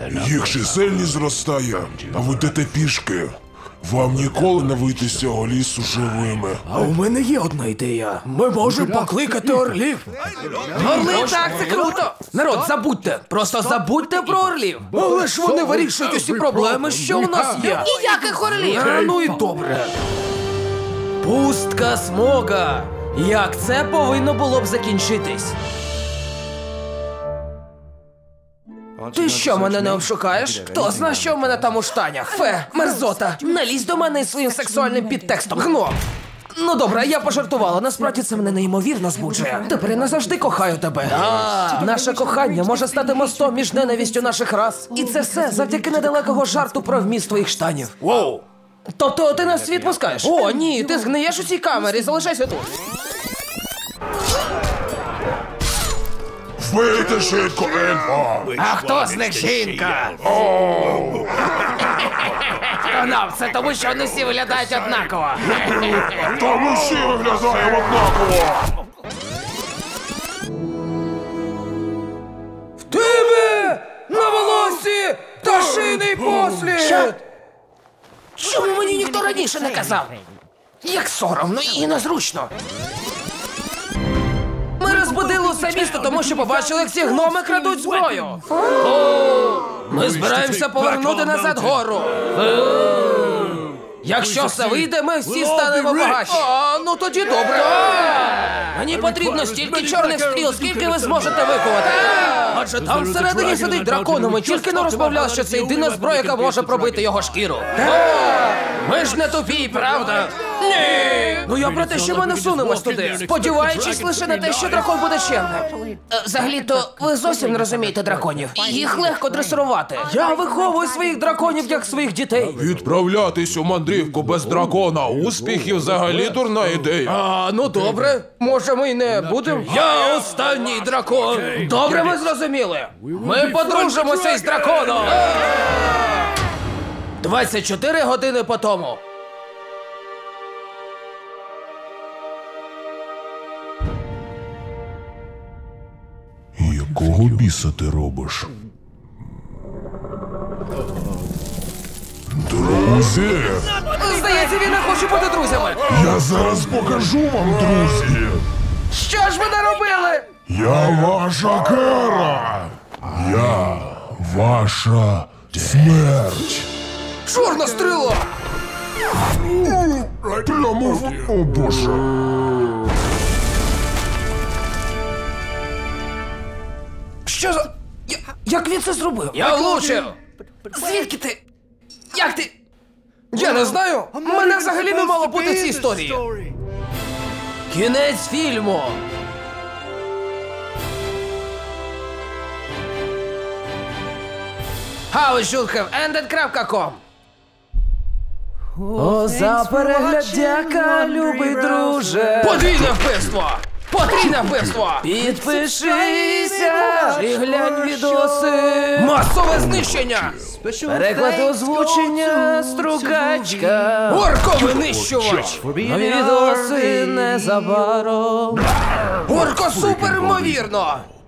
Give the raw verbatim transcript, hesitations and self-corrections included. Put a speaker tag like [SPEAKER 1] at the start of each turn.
[SPEAKER 1] Їх чисельність зростає, а ви йдете пішки. Вам ніколи не вийти з цього лісу живими.
[SPEAKER 2] А у мене є одна ідея. Ми можемо покликати орлів.
[SPEAKER 3] Орли, так, це круто!
[SPEAKER 2] Народ, забудьте. Просто забудьте про орлів. Але ж вони вирішують усі проблеми, що у нас є.
[SPEAKER 3] Ніяких орлів!
[SPEAKER 2] А, ну і добре. Пустка смога. Як це повинно було б закінчитись? Ти що, мене не обшукаєш? Хто знає, що в мене там у штанях? Фе, мерзота, не лізь до мене із своїм сексуальним підтекстом, гном! Ну добре, я пожартувала, насправді це мене неймовірно збуджує. Тепер я назавжди кохаю тебе. А, наше кохання може стати мостом між ненавістю наших рас. І це все завдяки недалекого жарту про вміст твоїх штанів. Воу! Тобто ти нас світ пускаєш? О, ні, ти згниєш у цій камері, залишайся тут.
[SPEAKER 1] Вийди швидко, ельфа!
[SPEAKER 3] А хто з них жінка? Канав, це тому, що вони всі виглядають однаково.
[SPEAKER 1] Та ми всі виглядаємо однаково!
[SPEAKER 2] В тебе на волосі пташиний послід!
[SPEAKER 3] Що? Чому мені ніхто раніше не казав? Як соромно і незручно.
[SPEAKER 2] Ми розбудили усе місто, тому що побачили, як ці гноми крадуть зброю. Ми збираємося повернути назад гору. Якщо все вийде, ми всі станемо багатші. А, ну тоді добре. Мені потрібно стільки чорних стріл, скільки ви зможете викувати. Адже там всередині сидить дракон, ми тільки не розмовляли, що це єдина зброя, яка може пробити його шкіру. Ми ж не тупі, правда? Ні! Ну я про те, що ми не всунемось туди, сподіваючись лише на те, що дракон буде чемним.
[SPEAKER 3] Е, Взагалі-то, ви зовсім не розумієте драконів. Їх легко дресирувати.
[SPEAKER 2] Я виховую своїх драконів як своїх дітей.
[SPEAKER 1] Відправлятись у мандрівку без дракона успіхів взагалі дурна ідея.
[SPEAKER 2] А, ну добре, може ми й не будемо? Я останній дракон. Добре, ми зрозуміли. Ми подружимося із драконом. двадцять чотири години по тому.
[SPEAKER 1] Якого біса ти робиш? Друзі!
[SPEAKER 2] Здається, він не хоче бути друзями.
[SPEAKER 1] Я зараз покажу вам, друзі!
[SPEAKER 2] Що ж ви наробили?
[SPEAKER 1] Я ваша кара! Я ваша смерть!
[SPEAKER 2] Чорна стріла!
[SPEAKER 1] Прямо в... О, Боже!
[SPEAKER 2] Що за... Я... Як він це зробив? Я влучив! Звідки ти? Як ти? Я не знаю. Мене взагалі не мало бути в цій історії. Кінець фільму. How should have ended крапка ком. О, за перегляд дяка, любий друже. Подвійне вбивство! Потрійне вбивство! Підпишися і глянь відоси. Масове знищення! Переклад озвучення Стругачка. Орко-винищувач! Нові відоси незабаром. Орко супер ймовірно!